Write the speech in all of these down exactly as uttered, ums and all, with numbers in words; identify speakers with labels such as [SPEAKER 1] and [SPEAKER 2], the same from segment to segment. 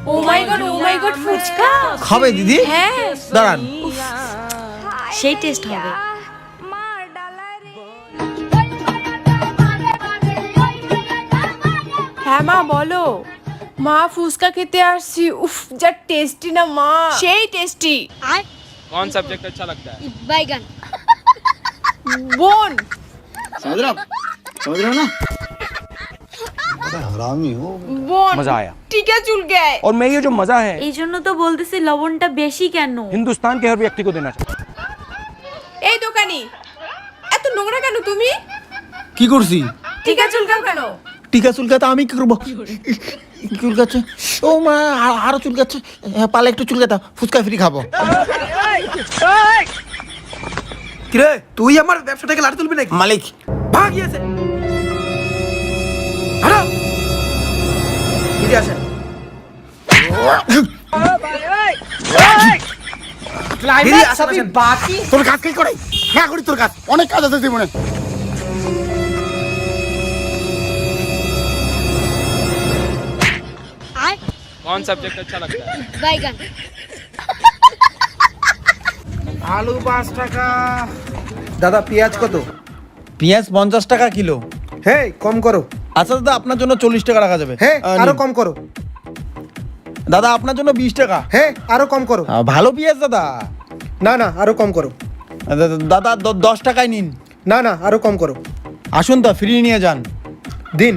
[SPEAKER 1] O my god, oh my god, phuchka
[SPEAKER 2] খাবে দিদি?
[SPEAKER 1] হ্যাঁ,
[SPEAKER 2] দাঁড়ান।
[SPEAKER 1] সেই টেস্ট হবে। হ্যাঁ মা বলো। মা ফুচকা খেতে আসছি। উফ যা টেস্টি না মা, সেই টেস্টি।
[SPEAKER 3] कौन सब्जेक्ट अच्छा लगता है?
[SPEAKER 4] बैगन।
[SPEAKER 1] বোন
[SPEAKER 2] समझ रहे हो समझ रहे हो ना हरामी हो
[SPEAKER 1] বোন
[SPEAKER 3] मजा आया।
[SPEAKER 1] টিকা চুলকে আয়।
[SPEAKER 3] और मैं ये जो मजा है
[SPEAKER 4] এই জন্য তো বলতেছি লবণটা বেশি কেন?
[SPEAKER 3] हिंदुस्तान के हर व्यक्ति को देना चाहिए।
[SPEAKER 1] এই দোকানি, এত নোংরা কেন তুমি?
[SPEAKER 2] কি করছি?
[SPEAKER 1] টিকা চুলকাও কেন?
[SPEAKER 2] টিকা চুলকাতে আমি কি করবো? চুলকাচ্ছে ও মা, আ- আরো চুলকাচ্ছে। হ্যাঁ, পালে একটু চুলকাতা, ফুচকা ফ্রি খাবো।
[SPEAKER 5] কিরে তুই আমার ব্যবসাটাকে লাড়ি তুলবি নাকি?
[SPEAKER 2] মালিক
[SPEAKER 5] ভাগ গিয়েছে। হারাও দিদি আসেন। দিদি আসেন আসেন।
[SPEAKER 2] তোর কাজ কি করে? হ্যাঁ করি তোর কাজ, অনেক কাজ আছে জীবনে।
[SPEAKER 3] कौन सब्जेक्ट अच्छा लगता है?
[SPEAKER 4] बैगन।
[SPEAKER 5] আলু পাঁচ টাকা। দাদা পেঁয়াজ কত?
[SPEAKER 2] পেঁয়াজ পঞ্চাশ টাকা কিলো।
[SPEAKER 5] হে কম করো।
[SPEAKER 2] আচ্ছা দাদা, আপনার জন্য চল্লিশ টাকা রাখা যাবে।
[SPEAKER 5] হে
[SPEAKER 2] আহ,
[SPEAKER 5] আরো
[SPEAKER 2] নিন।
[SPEAKER 5] কম করো।
[SPEAKER 2] দাদা আপনার জন্য বিশ টাকা।
[SPEAKER 5] হে আরো কম করো।
[SPEAKER 2] আহ, ভালো পেঁয়াজ দাদা।
[SPEAKER 5] না না আরো কম করো।
[SPEAKER 2] আহ, দাদা- দাদা দ- দশ টাকায় নিন।
[SPEAKER 5] না না আরো কম করো।
[SPEAKER 2] আসুন তো, ফ্রি নিয়ে যান।
[SPEAKER 5] দিন।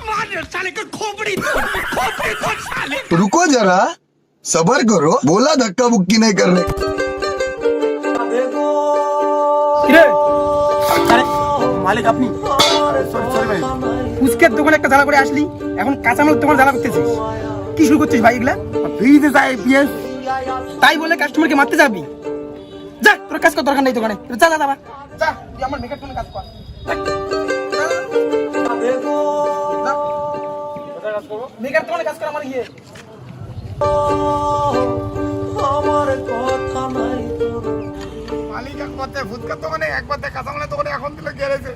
[SPEAKER 6] रुको जरा सबर करो बोला धक्का मुक्की नहीं करने
[SPEAKER 5] কিরে
[SPEAKER 2] আরে মালিক আপনি?
[SPEAKER 5] ফুচকের দোকানে একটা জ্বালা করে আসলি, এখন কাঁচামাল তোমার জ্বালা করতেছিস। কি শুরু করছিস ভাই এগুলা?
[SPEAKER 2] ফ্রিতে চাই পেঁয়াজ।
[SPEAKER 5] তাই বলে কাস্টমারকে মারতে যাবি? যা তোর কাজ কর, দরকার নেই দোকানে। যা যা যা যা, তুই আমার মেকআপ করে কাজ কর। মেকআপ দোকানে কাজ কর আমার ইয়ে।
[SPEAKER 2] মালিক এক পথে ফুচকার দোকানে, এক পথে কাঁচামালের দোকানে, এখন দিলে গেড়েছে।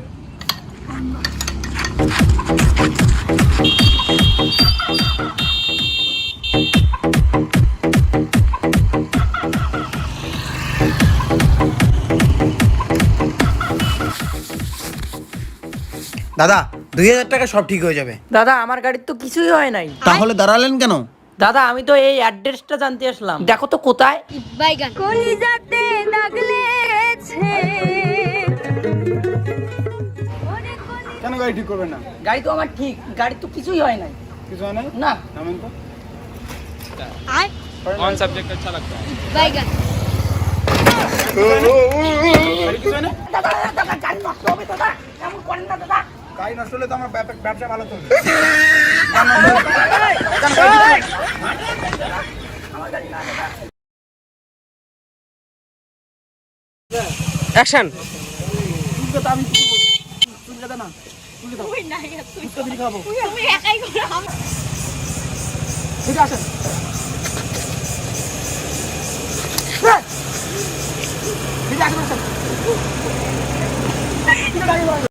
[SPEAKER 5] দাদা দুই হাজার টাকা সব ঠিক হয়ে যাবে।
[SPEAKER 7] দাদা আমার গাড়ির তো কিছুই হয় নাই।
[SPEAKER 2] তাহলে দাঁড়ালেন কেন?
[SPEAKER 7] দাদা আমি তো এই অ্যাড্রেসটা জানতে আসলাম, দেখো তো কোথায়।
[SPEAKER 4] बैगन। কলিজাতে দাগ লেগেছে।
[SPEAKER 2] কেন গাড়ি ঠিক করবেন না?
[SPEAKER 7] গাড়ি তো আমার ঠিক, গাড়ি তো কিছুই হয় নাই।
[SPEAKER 2] কিছু হয় না?
[SPEAKER 7] না
[SPEAKER 2] নামেন তো।
[SPEAKER 3] कौन सब्जेक्ट अच्छा लगता है?
[SPEAKER 4] बैगन।
[SPEAKER 5] গাড়ি নষ্ট হলে তো আমার ব্যব- ব্যবসা ভালো চলবে।
[SPEAKER 3] एक्शन।
[SPEAKER 5] ঠিক আছে আসেন। ঠিক আছে আসেন।